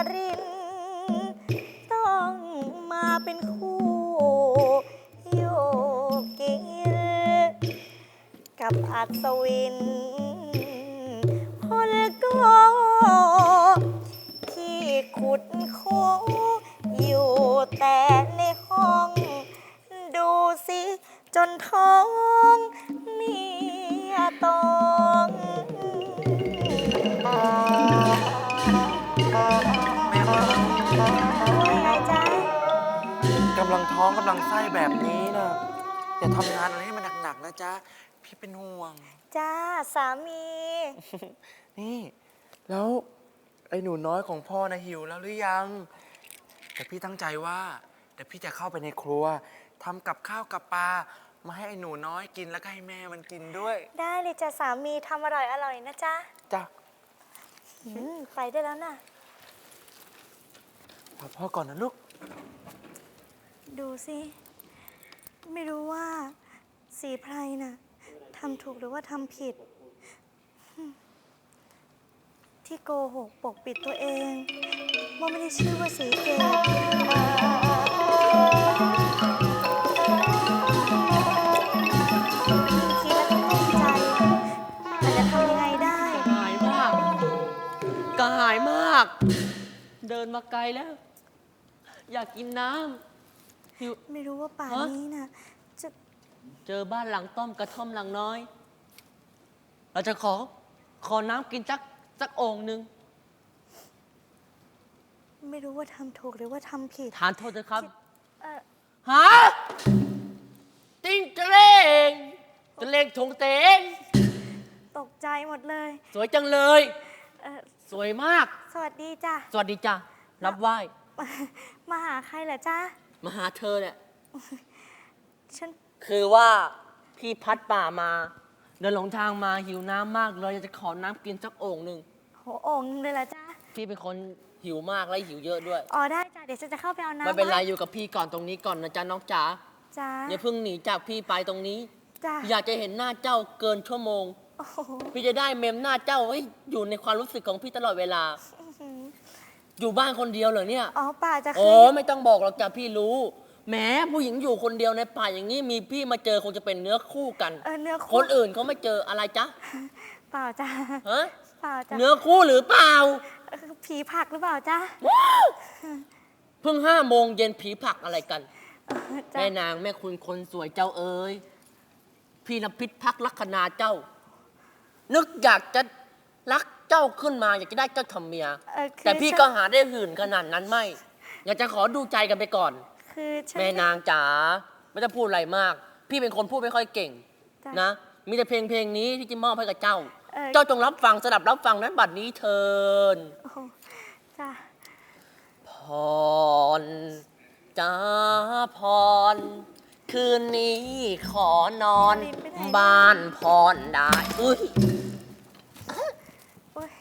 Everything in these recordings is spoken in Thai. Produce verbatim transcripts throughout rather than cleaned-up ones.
รินต้องมาเป็นคู่โยกินกับอัศวินพลก็ที่ขุดโคอยู่แต่ในห้องดูสิจนท้องเนี่ยต้องว่าไงจ๊ะกำลังท้องกำลังไส้แบบนี้นะอย่าทำงานอะไรให้มันหนักๆนะจ๊ะพี่เป็นห่วงจ้าสามีนี่แล้วไอ้หนูน้อยของพ่อนะหิวแล้วหรือยังแต่พี่ตั้งใจว่าเดี๋ยวพี่จะเข้าไปในครัวทำกับข้าวกับปลามาให้ไอ้หนูน้อยกินแล้วก็ให้แม่มันกินด้วยได้เลยจ้ะสามีทำอร่อยอร่อยนะจ๊ะจ้ะอืมไปได้แล้วนะพอพ่อก่อนนะลูกดูสิ ไม่รู้ว่าสีไพรน่ะทำถูกหรือว่าทำผิด ที่โกหกปกปิดตัวเองว่าไม่ได้ชื่อว่าสีเกตคิดแล้วก็ตกใจแต่จะทำยังไงได้หายมากกระหายมาก เดินมาไกลแล้ว อยากกินน้ำหิวไม่รู้ว่าป่านฮะนี้น่ะจะเจอบ้านหลังต้อมกระท่อมหลังน้อย เราจะขอ ขอน้ำกินสักสักโอ่งหนึ่งไม่รู้ว่าทำถูกหรือว่าทำผิดทานโทษเถอะครับเออฮะติ้งเจรงเจรงถงเตงตกใจหมดเลยสวยจังเลยเออสวยมากสวัสดีจ้ะสวัสดีจ้ะ รับไหว้มามาหาใครเหรอจ๊ะมาหาเธอเนี่ยฉันคือว่าพี่พัดป่ามา เดินหลงทางมาหิวน้ำมากเลยอยากจะขอน้ำกินสักโอ่งหนึ่งโหโอ่งเลยเหรอจ๊ะพี่เป็นคนหิวมากและหิวเยอะด้วยอ๋อได้จ้ะ เดี๋ยวฉันจะเข้าไปเอาน้ำไม่เป็นไรให้อยู่กับพี่ก่อนตรงนี้ก่อนนะจ๊ะน้องจ๋าจ้ะอย่าเพิ่งหนีจากพี่ไปตรงนี้จ้ะอยากจะเห็นหน้าเจ้าเกินชั่วโมงโอ้โหพี่จะได้เมมหน้าเจ้าไว้อยู่ในความรู้สึกของพี่ตลอดเวลาอื้อหืออยู่บ้านคนเดียวเหรอเนี่ยอ๋อป่าจะโอ้คืนไม่ต้องบอกหรอกจ้ะพี่รู้แหมผู้หญิงอยู่คนเดียวในป่าอย่างนี้มีพี่มาเจอคงจะเป็นเนื้อคู่กันเออเนื้อคคู่นอื่นเขาไม่เจออะไรจ๊ะเปล่าจ้ะฮะเปล่าจ้ะเนื้อคู่หรือเปล่าเออผีผลักหรือเปล่าจ๊ะเพิ่งห้าโมงเย็นผีผลักอะไรกันเออจ้ะแม่นางแม่คุณคนสวยเจ้าเอ๋ยพี่นพิษพักลักษณาเจ้า นึกอยากจะรักเจ้าขึ้นมา อยากจะได้เจ้าทำเมียเออคือแต่พี่ฉันก็หาได้หื่นขนาดนั้นไม่ อยากจะขอดูใจกันไปก่อนคือฉันแม่นางจ๋าไม่ต้องพูดอะไรมาก พี่เป็นคนพูดไม่ค่อยเก่งจ้ะนะ มีแต่เพลงเพลงนี้ที่จะมอบให้กับเจ้าเออเจ้าจงรับฟังสดับรับฟังนั้นบัดนี้เทินโอ้โหจ้ะพรจ้าพร คืนนี้ขอนอน บ้านพรได้อุ้ยโอ้ย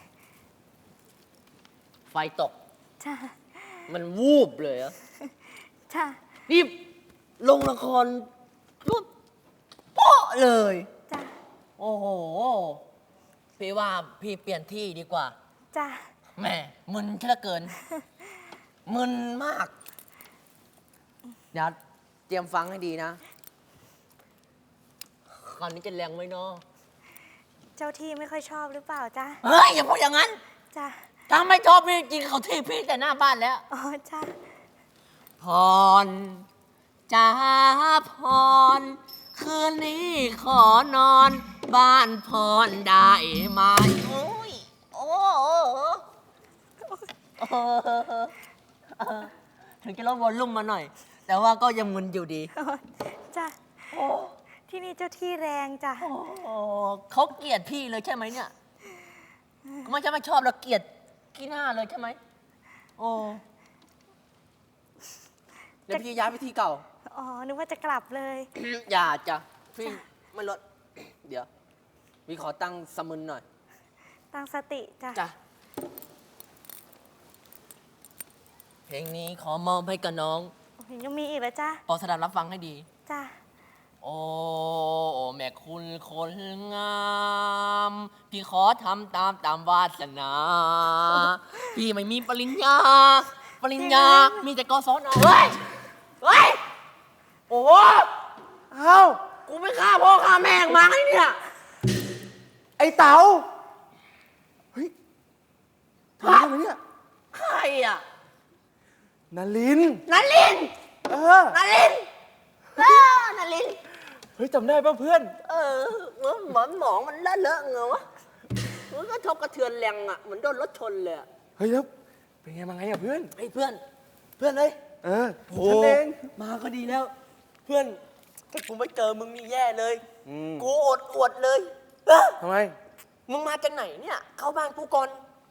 ไฟตกจ้ะมันวูบเลยอะจ้ะนี่ลงละครปุ๊บโป๊ะเลยจ้ะโอ้โห พี่ว่าพี่เปลี่ยนที่ดีกว่าจ้ะแหม่มึนเหลือเกิน มึนมาก เดี๋ยวเตรียมฟังให้ดีนะคราวนี้จะแรงไหมเนาะเจ้าที่ไม่ค่อยชอบหรือเปล่าจ๊ะเฮ้ย อย่าพูดอย่างนั้นจ้ะถ้าไม่ชอบพี่จริงเขาที่พี่แต่หน้าบ้านแล้วอ๋อจ้ะพรจ้าพร คืนนี้ขอนอน บ้านพรได้ไหมโอ้ยโอ้โหเออถึงจะลดวอลลุ่มมาหน่อย แต่ว่าก็ยังมึนอยู่ดีอ๋อจ้ะโอ้ที่นี่เจ้าที่แรงจ้ะโหเขาเกลียดพี่เลยใช่ไหมเนี่ยไม่ใช่ไม่ชอบแล้วเกลียดขี้หน้าเลยใช่ไหมโอ้เดี๋ยวพี่ย้ายไปที่เก่าอ๋อ นึกว่าจะกลับเลยอย่าจ้ะพี่ไม่ลด เดี๋ยวพี่ขอตั้งสมุนหน่อยตั้งสติจ้ะจ้ะเพลงนี้ขอมอบให้กับน้องโอ้ยยังมีอีกเหรอจ้ะโปรดสดับรับฟังให้ดีจ้ะโอ้แม่คุณคนงาม พี่ขอทำตามตามวาสนา พี่ไม่มีปริญญา ปริญญา มีแต่กศนเฮ้ย เฮ้ย โอ้โหเอ้ากูไม่ฆ่าพ่อฆ่าแม่งมาไงเนี่ยไอ้เต๋าเฮ้ยทำไมทำไมเนี่ยใครอ่ะนาลินนาลินเออนาลินเออนาลินเฮ้ยจำได้ป่ะเพื่อนเออเหมือนเหมือนหมองมันเลอะเลอะเงาวะมันก็ทบกระเทือนแรงอ่ะ เหมือนโดนรถชนเลยอะเฮ้ยแล้วเป็นไงมาไงอะเพื่อนไอ้เพื่อน เพื่อนเอ้ยเออโอ้ฉันเองมาก็ดีแล้ว เพื่อนถ้ากูไม่เจอมึงนี่แย่เลยอืมกูอดอวดเลยเออทำไมมึงมาจากไหนเนี่ย เข้าบ้านกูก่อน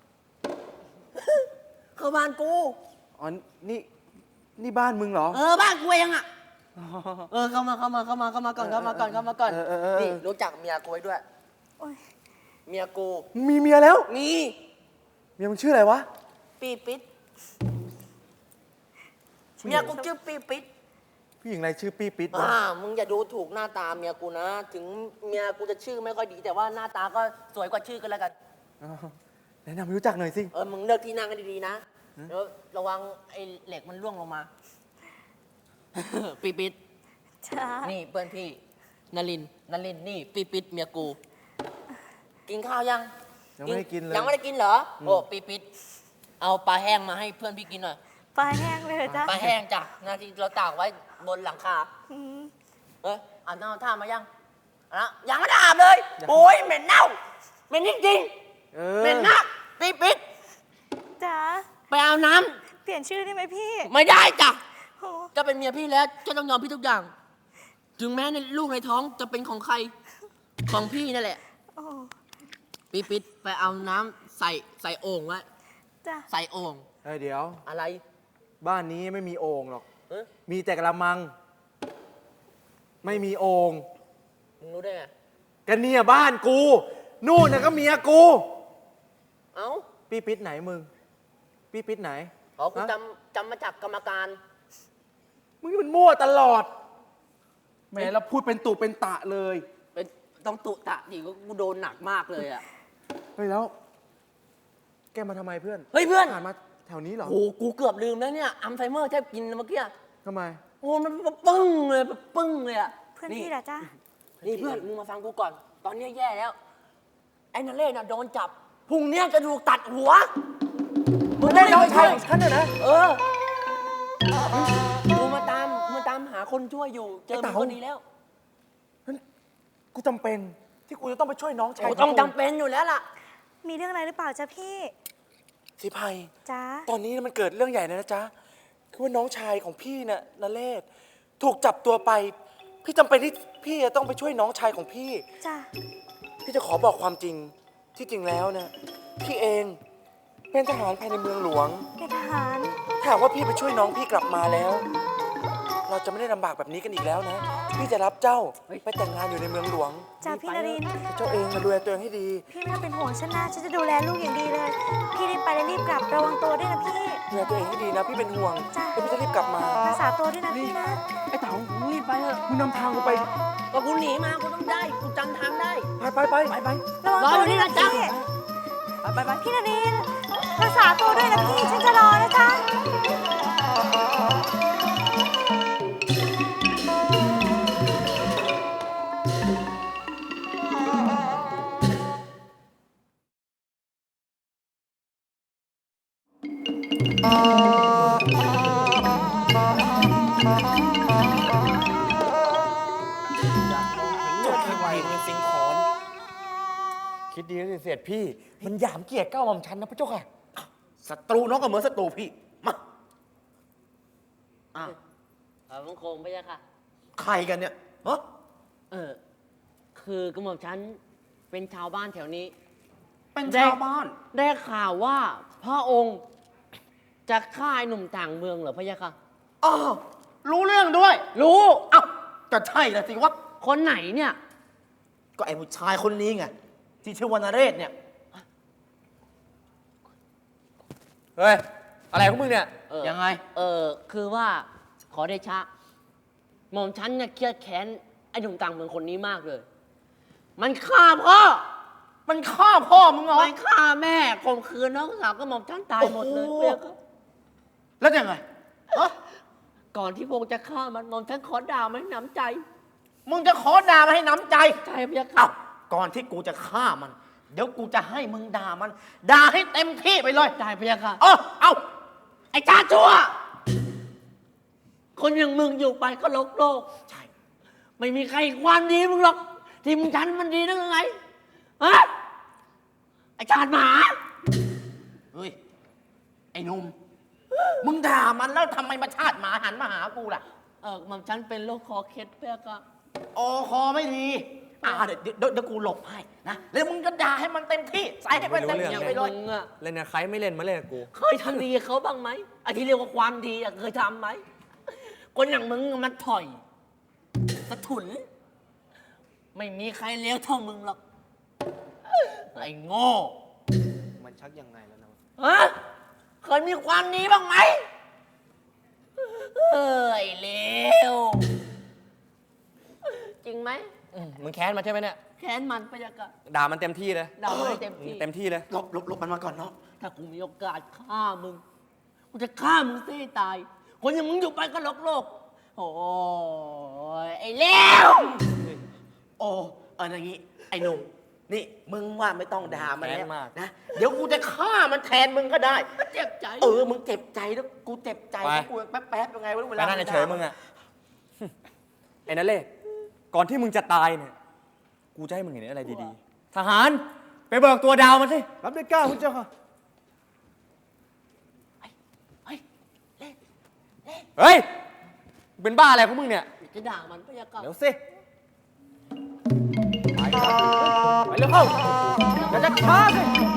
เข้าบ้านกูอ๋อ นี่ นี่บ้านมึงเหรอเออบ้านกูเองอ่ะ เออเข้ามาเข้ามาเข้ามาเข้ามาก่อนเข้ามาก่อนเข้ามาก่อนเออเออเออนี่รู้จักเมียกูไว้ด้วยโอ๊ยเมียกูมีเมียแล้วมีเมียมึงชื่ออะไรวะปีปิดเมียกูชื่อปีปิดผู้หญิงอะไรชื่อปี้ปิ๊ดวะอ่ามึงอย่าดูถูกหน้าตาเมียกูนะ ถึงเมียกูจะชื่อไม่ค่อยดี แต่ว่าหน้าตาก็สวยกว่าชื่อกันแล้วกันอ๋อแนะนำให้รู้จักหน่อยสิเออมึงเลือกที่นั่งกันดีๆนะเดี๋ยวระวังไอ้เหล็กมันร่วงลงมา ปีปิดจ้านี่เพื่อนพี่นลินนลินนี่ปีปิดเมียกู กินข้าวยังยังไม่ได้กินเลยยังไม่ได้กินเหรอ โอ้ปีปิดเอาปลาแห้งมาให้เพื่อนพี่กินหน่อยปลาแห้งเลยเหรอจ้าปลาแห้งจ้ะนาทีเราตากไว้บนหลังคาอืมเอ้ยอาบน้ำท่ามายังอะยังไม่ได้อาบเลยโอ้ยเหม็นเน่าเหม็นจริงเอๆอเหม็นนักปีปิดจ้าไปเอาน้เปลี่ยนชื่อได้ไหมพี่ำไม่ได้จ้ะโอ้จะเป็นเมียพี่แล้วจะต้องยอมพี่ทุกอย่าง ถึงแม้ในลูกในท้องจะเป็นของใครของพี่นั่นแหละโอ้ปีปิดไปเอาน้ำใส่ใส่โอ่งไว้จ้าใส่โอ่งเฮ้ยเดี๋ยวอะไรบ้านนี้ไม่มีโอ่งหรอกเอ้ยมีแต่กระมัง ไม่มีโอ่งมึงรู้ได้ไงกันเนี่ยบ้านกู นู่นน่ะก็เมียกูเอ้าปี้ปิ๊ดไหนมึง ปี้ปิ๊ดไหนอ๋อกูฮะจำจำมาจากกรรมการมึงนี่มันมั่วตลอด แหมเราพูดเป็นตุเป็นตะเลยเป็นต้องตุตะดิกูโดนหนักมากเลยอ่ะเฮ้ยแล้ว แกมาทำไมเพื่อนเฮ้ยเพื่อนผ่านมาแถวนี้เหรอโอ้กูเกือบลืมแล้วเนี่ยอัลไซเมอร์แทบกินเมื่อกี้ทำไมโอ้มันแบบปึ้งเลยแบบปึ้งเลยอ่ะเพื่อนพี่เหรอจ้านี่เพื่อนมึงมาฟังกูก่อน ตอนนี้แย่แล้ว ไอ้นาเล่น่ะโดนจับพรุ่งเนี้ยจะถูกตัดหัวมึงได้น้องชายช่ของฉันน่ะนะเออกูมาตามมาตามหาคนช่วยอยู่ เจอไอ้มึเต๋างคนนี้แล้วกูจำเป็น ที่กูจะต้องไปช่วยน้องชายโอ้ต้องจำเป็นอยู่แล้วล่ะมีเรื่องอะไรหรือเปล่าจ้าพี่สิภัยจ้าตอนนี้มันเกิดเรื่องใหญ่เลยนะจ๊ะ คือว่าน้องชายของพี่น่ะนเรศถูกจับตัวไป พี่จำเป็นที่พี่จะต้องไปช่วยน้องชายของพี่จ้าพี่จะขอบอกความจริง ที่จริงแล้วนะพี่เองเป็นทหารภายในเมืองหลวงเป็นทหารถ้าหากว่าพี่ไปช่วยน้องพี่กลับมาแล้ว เราจะไม่ได้ลำบากแบบนี้กันอีกแล้วนะ พี่จะรับเจ้าไปแต่งงานอยู่ในเมืองหลวงจ้าพี่นรินทร์เจ้าเองมาดูแลตัวเองให้ดีพี่ไม่ต้องเป็นห่วงฉันนะฉันจะดูแลลูกอย่างดีเลย พี่รีบไปและรีบกลับระวังตัวด้วยนะพี่ดูแลตัวเองให้ดีนะ พี่เป็นห่วงจ้ะแล้วพี่จะรีบกลับมารักษาตัวด้วยนะพี่นะไอ้เต๋ามึงรีบไปเถอะมึงนำทางกูไปก็กูหนีมากูต้องได้ กูจำทางได้ไปไปไปไปไประวังรอตัอวยู่ด้นี่วยนะนะจ๊ะพี่ไปไปไปพี่นรินทร์รักษาตัวด้วยนะพี่ ฉันจะรอนะจ๊ะจบที่ไวเลยสิงขอนคิดดีแล้วสิเสียดพี่ มันหยามเกียรติเก้าหม่อมชันนะพระเจ้าค่ะศัตรูน้องก็เหมือนศัตรูพี่ มาอ่ะเอามังคงไปยังค่ะใครกันเนี่ยฮะเออ คือกระหม่อมฉันเป็นชาวบ้านแถวนี้เป็นชาวบ้านได้ข่าวว่าพระองค์จะฆ่าไอ้หนุ่มต่างเมืองเหรอพะยะค่ะอ้าว รู้เรื่องด้วยรู้เอ้าก็ใช่ละสิวะคนไหนเนี่ยก็ไอ้ผู้ชายคนนี้ไง ที่ชื่อวรรณเรศเนี่ยเฮ้ย อะไรของมึงเนี่ยเออยังไงเออ คือว่าขอเดชะ หม่อมฉันเนี่ยเครียดแค้นไอ้หนุ่มต่างเมืองคนนี้มากเลย มันฆ่าพ่อมันฆ่าพ่อมึงเหรอมันฆ่าแม่ข่มขืนน้องสาวก็หม่อมฉันตายหมดเลยโอ้โหเปียกแล้วยังไงฮะก่อนที่พระองค์จะฆ่ามันหม่อมฉันขอด่ามันให้หนำใจมึงจะขอด่ามาให้น้ำใจใช่เปียกเอ้าก่อนที่กูจะฆ่ามัน เดี๋ยวกูจะให้มึงด่ามัน ด่าให้เต็มที่ไปเลยได้เปียกค่ะเออเอาไอ้ชาชั่ว คนอย่างมึงอยู่ไปก็โลกโลกใช่ไม่มีใครความดีมึงหรอก ที่มึงฉันมันดีนักยังไงฮะไอ้ชาติหมาเฮ้ย ไอ้หนุ่ม มึงด่ามันแล้วทำไมมาชาติหมาหันมาหากูล่ะเออหม่อมฉันเป็นโรคคอเคล็ดเปียกอะโอ้คอไม่ดี อ่าเดี๋ยวเดี๋ยวเดี๋ยวกูหลบให้นะ แล้วมึงก็ด่าให้มันเต็มที่ ใส่ให้มันเต็มอที่ย่างไปเลยมึงอะเล่นกับใครไม่เล่นมาเล่นกับกูเคยทำดีกับเขาบ้างไหมไอ้ที่เรียกว่าความดีอะเคยทำไหม คนอย่างมึงมันถอยสะถุน ไม่มีใครเลวเท่ามึงหรอก ไอ้โง่มันชักยังไงแล้วนะฮะเคยมีความดีบ้างไหมเอ้ยเลวจริงไหมมึงแค้นมาใช่ไหมเนี่ยแค้นมันไปยังกะด่ามันเต็มที่เลยด่ามันให้เต็มที่เต็มที่เลยหลบหลบหลบมันมาก่อนเนาะถ้ากูมีโอกาสฆ่ามึง กูจะฆ่ามึงซะให้ตาย คนอย่างมึงอยู่ไปก็โลกโลก โอ้ยไอ้เลวโอ้เอออย่างงี้ ไอ้หนุ่ม นี่ มึงว่าไม่ต้องด่ามันแล้วแค้นมากนะ เดี๋ยวกูจะฆ่ามันแทนมึงก็ได้เจ็บใจเออ มึงเจ็บใจแล้วกูเจ็บใจไปแล้วกูแป๊บแป๊บๆยังไงวะเวไปลานั่นด่าเฉยๆมึงอะ ไอ้นั่นเล่ก่อนที่มึงจะตายเนี่ย กูจะให้มึงเห็นอะไรดีๆ ทหาร ไปเบิกตัวดาวมาสิรับด้วยเกล้าคุณเจ้าค่ะเฮ้ยเฮ้ย เป็นบ้าอะไรของมึงเนี่ยจะด่ามันไปยังกะเดี๋ยวสิ ไปเร็วเข้าอย่าจะช้าสิ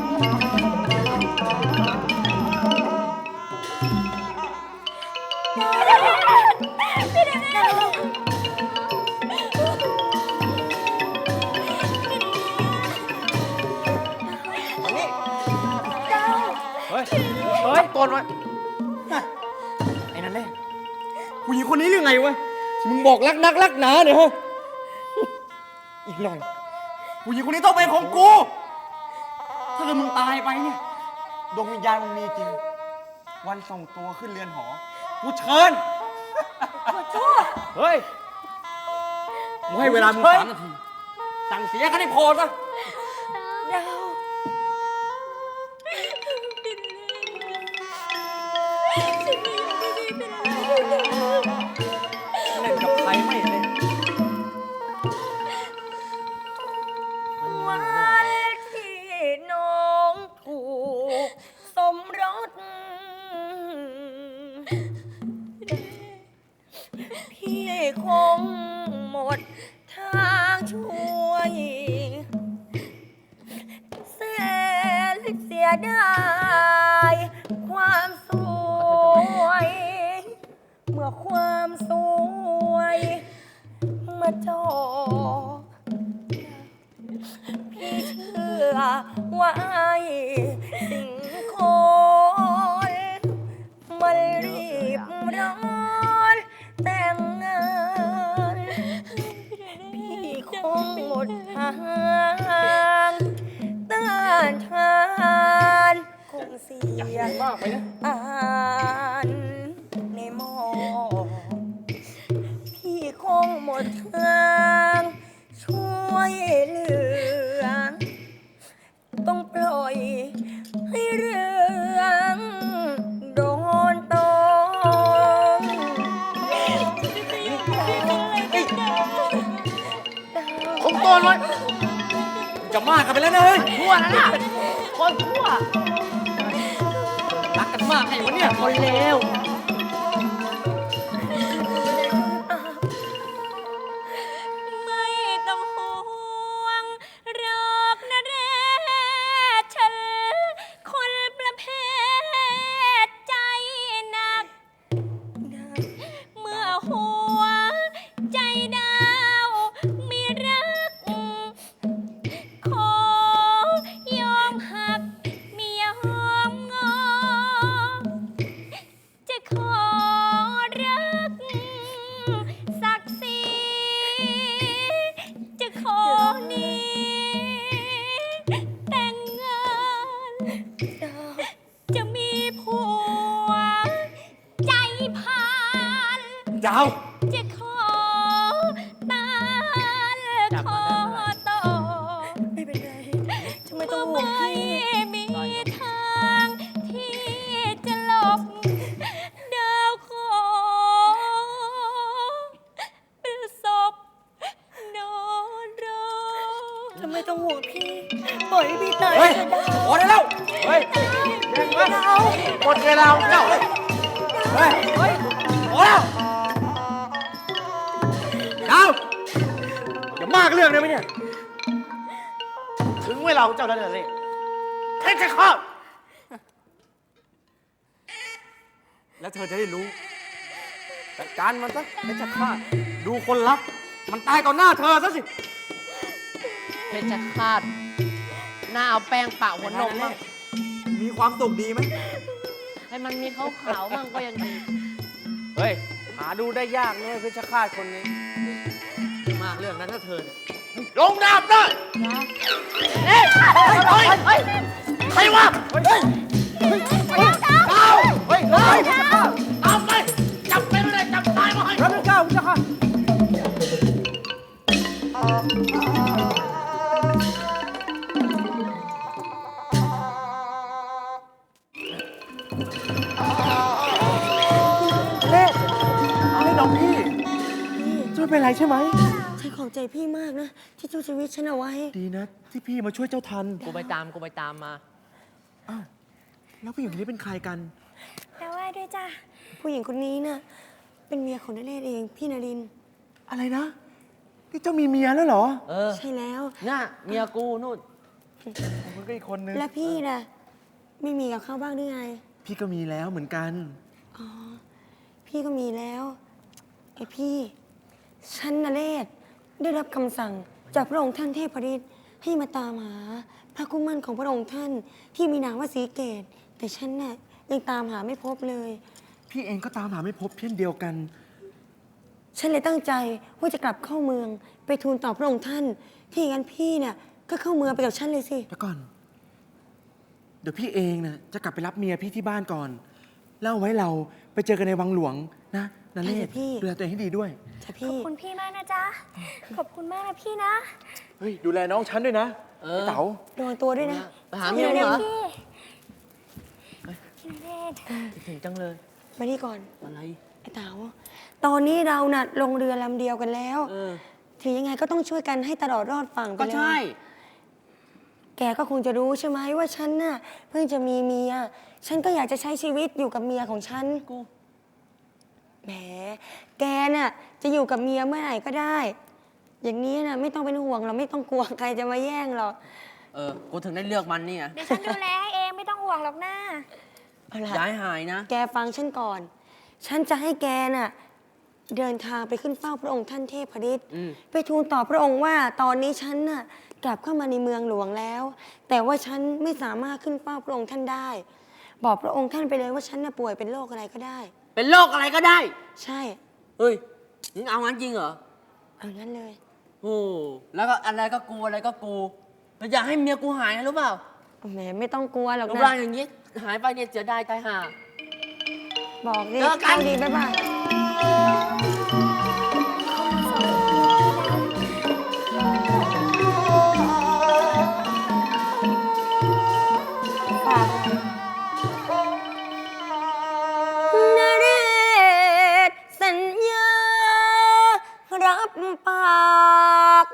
เฮ้ย เฮ้ยตัวน้อยไอ้นั่นเล่ผู้หญิงคนนี้เรื่องไงวะที่มึงบอกรักนักรักหนาเนี่ยฮะ อีกหน่อยผู้หญิงคนนี้ต้องเป็นของกู ถ้าเกิดมึงตายไปเนี่ยดวงวิญญาณมึงมีจริง วันส่งตัวขึ้นเรือนหอ กูเชิญเฮ้ยมึงให้เวลามึงสามนาที สั่งเสียกันให้พอซะดาวฉันไม่อยู่ที่นี่เป็นอะไรเล่นกับใครไม่เล่นวันที่น้องถูกสมรสพี่คงหมดทางช่วยแสนเสียดายความสวย เมื่อความสวยมาจอ พี่เชื่อว่าไอ้สิ่งคนมันรีบร้อนแต่งงานพี่คงหมดทางต้านทานคงเสียมากไปนะอ่านในหมอพี่คงหมดทางช่วยเหลือ ต้องปล่อยให้เรื่องโดนตองผมตัวน้อยจะมากกันไปแล้วนะเฮ้ยชั่วนะน่ะคนชั่วรักกันมากไงวะเนี่ยคนเลวไม่ต้องห่วงหรอกนะเรศฉันคนประเภทใจหนัก เมื่อหัวใจดาวมีรัก ขอยอมหักไม่ยอมงอ จะขดาวจะขอตานขอต่อไม่เป็นไรทำไมต้องห่วงพี่มีทางที่จะหลบดาวขอเป็นศพนอนรอทำไมต้องห่วงพี่ปล่อยให้พี่ตายเฮ้ยเถอะดาวพอได้แล้ว เฮ้ยดาวหมดเวลาของเจ้าเลยเฮ้ย เฮ้ยพอแล้วดาวอย่ามากเรื่องได้ไหมเนี่ยถึงเวลาของเจ้าแล้วนะเลยเพชรฆาตแล้วเธอจะได้รู้จัดการมันซะเพชรฆาตดูคนรัก มันตายต่อหน้าเธอซะสิเพชรฆาตหน้าเอาแป้งปะหัวนมบ้างมีความสุขดีไหมให้มันมีขาวๆบ้างก็ยังดีเฮ้ย หาดูได้ยากเนี่ยเพชรฆาตคนนี้มากเรื่องนั้นถ้าเธอเนี่ยลงดาบเลยเฮ้ยเฮ้ยเฮ้ยเฮ้ยใครวะเฮ้ยเฮ้ยเอาเฮ้ยเฮ้ยเอาไปจับไปเลยจับตายมาให้รับเป็นเก้าพระเจ้าค่ะเล่เอาให้น้องพี่จะไม่เป็นไรใช่ไหมฉันขอบใจพี่มากนะ ที่ช่วยชีวิตฉันเอาไว้ดีนะ ที่พี่มาช่วยเจ้าทันกูไปตามกูไปตามมาอ้าวแล้วผู้หญิงคนนี้เป็นใครกันแต่ว่าด้วยจ้ะผู้หญิงคนนี้น่ะเป็นเมียของนเรศเองพี่นรินทร์อะไรนะนี่เจ้ามีเมียแล้วเหรอเออใช่แล้วน่ะเมียกูนู่นมันก็อีกคนนึงและพี่น่ะไม่มีกับเขาบ้างหรือไงพี่ก็มีแล้วเหมือนกันอ๋อพี่ก็มีแล้วไอพี่ฉันนเรศได้รับคำสั่งจากพระองค์ท่านเทพฤทธิ์ให้มาตามหาพระคุ้มมั่นของพระองค์ท่านที่มีนามว่าสีเกต แต่ฉันน่ะยังตามหาไม่พบเลยพี่เองก็ตามหาไม่พบเช่นเดียวกันฉันเลยตั้งใจว่าจะกลับเข้าเมืองไปทูลต่อพระองค์ท่าน ที่อย่างนั้นพี่เนี่ยก็เข้าเมืองไปกับฉันเลยสิเดี๋ยวก่อน เดี๋ยวพี่เองนะจะกลับไปรับเมียพี่ที่บ้านก่อนแล้วเอาไว้เราไปเจอกันในวังหลวงนะนันเล่ได้สิพี่ดูแลตัวเองให้ดีด้วยจ้ะขอพี่บคุณพี่มากนะจ๊ะ ขอบคุณมากนะพี่นะเฮ้ย ดูแลน้องฉันด้วยนะเออไอ้เต๋าระวังตัวด้วยนะไปหาเมียมึงเหรอพี่พี่นเรศถึงจังเลยมานี่ก่อนอะไรไอ้เต๋าตอนนี้เราน่ะลงเรือลำเดียวกันแล้วเออถึงยังไงก็ต้องช่วยกันให้ตลอดรอดฝั่งไปก็เลยใช่แกก็คงจะรู้ใช่ไหมว่าฉันน่ะเพิ่งจะมีเมีย ฉันก็อยากจะใช้ชีวิตอยู่กับเมียของฉันกูแหม แกน่ะจะอยู่กับเมียเมื่อไหร่ก็ได้ อย่างนี้น่ะไม่ต้องเป็นห่วงหรอกไม่ต้องกลัวใครจะมาแย่งหรอกเออ กูถึงได้เลือกมันนี่ไงเดี๋ยวฉันดูแลให้เองไม่ต้องห่วงหรอกนะเอาล่ะย้ายหายนะแกฟังฉันก่อน ฉันจะให้แกน่ะเดินทางไปขึ้นเฝ้าพระองค์ท่านเทพฤทธิ์อืมไปทูลต่อพระองค์ว่าตอนนี้ฉันน่ะกลับเข้ามาในเมืองหลวงแล้ว แต่ว่าฉันไม่สามารถขึ้นเฝ้าพระองค์ท่านได้ บอกพระองค์ท่านไปเลยว่าฉันน่ะป่วยเป็นโรคอะไรก็ได้เป็นโรคอะไรก็ได้ใช่เฮ้ยมึงเอางั้นจริงเหรอเอางั้นเลยโอ้ แล้วก็อะไรก็กูอะไรก็กูแล้วอยากให้เมียกูหายนะรู้เปล่าแหมไม่ต้องกลัวหรอกรูปนะร่างอย่างนี้ หายไปเนี่ยเสียดายตายห่าบอกดิเจอกันเข้าดีบ๊ายบายฝากนเรศสัญญา รับปาก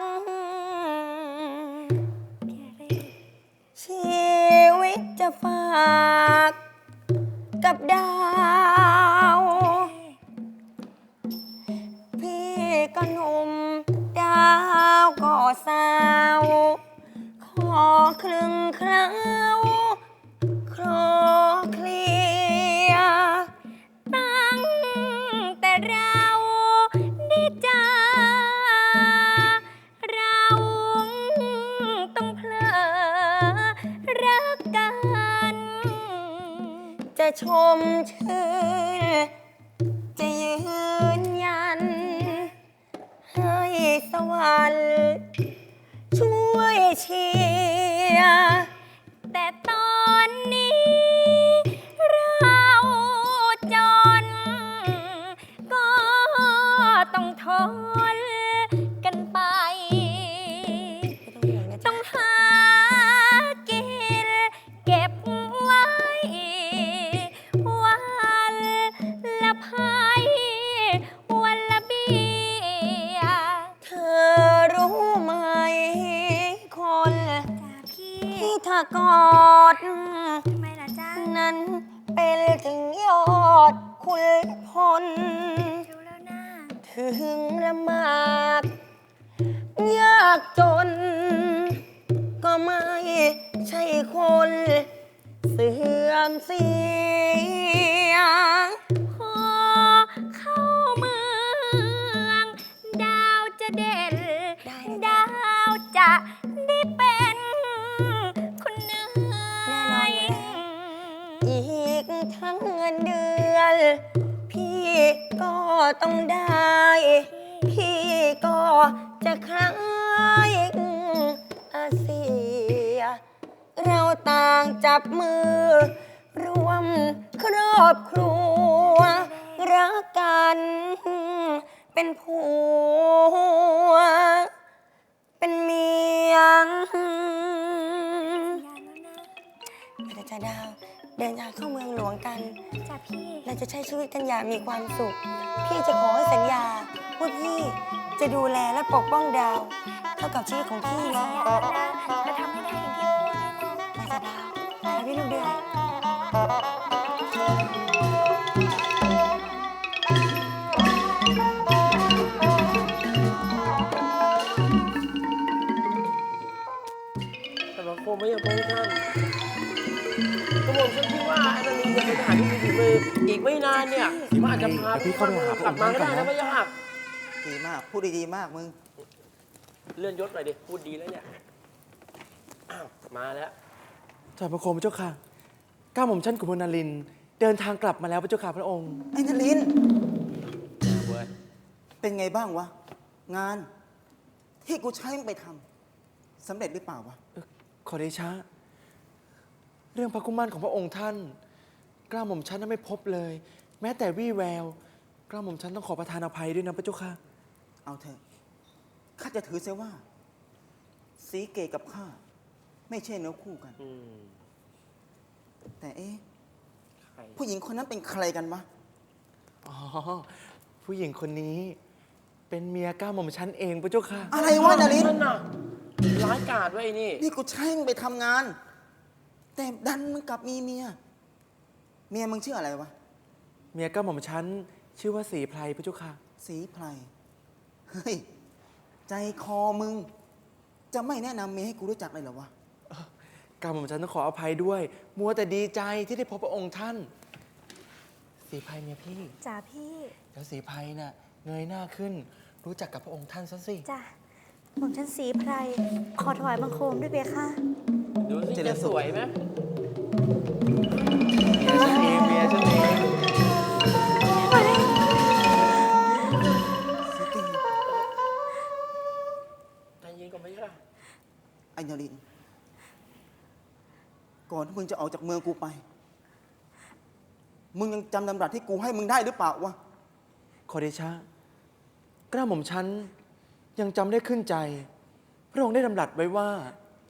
ชีวิตจะฝากกับดาว พี่ก็หนุ่มดาวก็สาว ขอครึ่งคราวคลอเคลียร์ตั้งแต่เราได้เจอเราต้องเพลอรักกัน จะชมชื่นจะยืนยัน ให้สวรรค์ช่วยเชียร์แต่ตอนนี้เราจนก็นกันไป ต้องหากินเก็บไว้ วันละไพ่วันละเบี้ยเธอรู้ไหมคนจ้าพี่ที่ถ้ากอดทำไมล่ะจ้านั้นเป็นถึงยอดคุณพลรู้แล้วนะถึงละมากยากจน ก็ไม่ใช่คนเสื่อมเสียพอเข้าเมือง ดาวจะเด่นได้เลยดาวจะได้เป็นคนเนื้แน่นอนอยู่แล้ว อีกทั้งเงินเดือน พี่ก็ต้องได้ พี่ก็จะคล้ายอาเซีย เราต่างจับมือ รวมครอบครัว รักกันเป็นผัว เป็นเมียยานแล้วนะพระเจ้าดาวเดินทางเข้าเมืองหลวงกันจ้าพี่เราจะใช้ชีวิตกันอย่างมีความสุข พี่จะขอให้สัญญาว่าพี่จะดูแลและปกป้องดาว เท่ากับชีวิตของพี่นะยานแล้วนะจะทำให้ได้อย่างที่พูดนี่แหละพระเจ้าดาวไปพี่ลูกเดือยแต่บางคนไม่อยากพบท่านกระหม่อมฉันคิดว่าอนาลินจะเป็นทหารที่มีฝีมืออีกไม่นานเนี่ยมันอาจจะพาเดี๋ยวพี่เข้าไปหาพระกลับมาก็ได้องค์ท่านก่อนนะนะไม่ยากดีมาก พูดดีๆมากมึงเลื่อนยศหน่อยดิ พูดดีแล้วเนี่ย อ้าว มาแล้วถอยพระโคมพระเจ้าค่ะก้าวหม่อมชั้นกุมพลนารินทร์เดินทางกลับมาแล้วพระเจ้าค่ะพระองค์ไอ้นลินเว้ยเป็นไงบ้างวะ งาน ที่กูใช้มึงไปทำสำเร็จหรือเปล่าวะขอเดชะ เรื่องพระกุมารของพระองค์ท่านกล้าหม่อมชั้นนั้นไม่พบเลย แม้แต่วี่แววกล้าหม่อมชั้นต้องขอประทานอภัยด้วยนะพระเจ้าค่ะเอาเถอะ ข้าจะถือเสียว่า สีเกตกับข้า ไม่ใช่เนื้อคู่กันอืมแต่เอ๊ะใครผู้หญิงคนนั้นเป็นใครกันวะอ๋อ ผู้หญิงคนนี้ เป็นเมียก้าวหม่อมชั้นเองพระเจ้าค่ะอะไรวะนลินนั่นน่ะ ร้ายกาจไว้ยไอ้นี่นี่กูใช้มึงไปทำงาน แต่ดันมึงกลับมีเมีย เมียมึงชื่ออะไรวะเมียก้าวหม่อมชั้นชื่อว่าสีไพรพระเจ้าค่ะสีไพร เฮ้ย ใจคอมึง จะไม่แนะนำเมียให้กูรู้จักเลยเหรอวะก้าวหม่อมชั้นต้องขออภัยด้วย มัวแต่ดีใจที่ได้พบพระองค์ท่าน สีไพรเมียพี่จ้าพี่เดี๋ยวสีไพรน่ะเงยหน้าขึ้น รู้จักกับพระองค์ท่านซะสิจ้ะหม่อมฉันสีไพร ขอถวายบังคมด้วยเบค่ะดูสิเจริจะญสุสขวยไหมเมียฉันเองเมียฉันเองสิตีใจเย็นก่อนไหมล่ะไอ้นรินทร์ก่อนที่มึงจะออกจากเมืองกูไป มึงยังจำดำรัสที่กูให้มึงได้หรือเปล่าวะขอเดชะกล้าหม่อมชั้นยังจำได้ขึ้นใจ พระองค์ได้ดำรัสไว้ว่า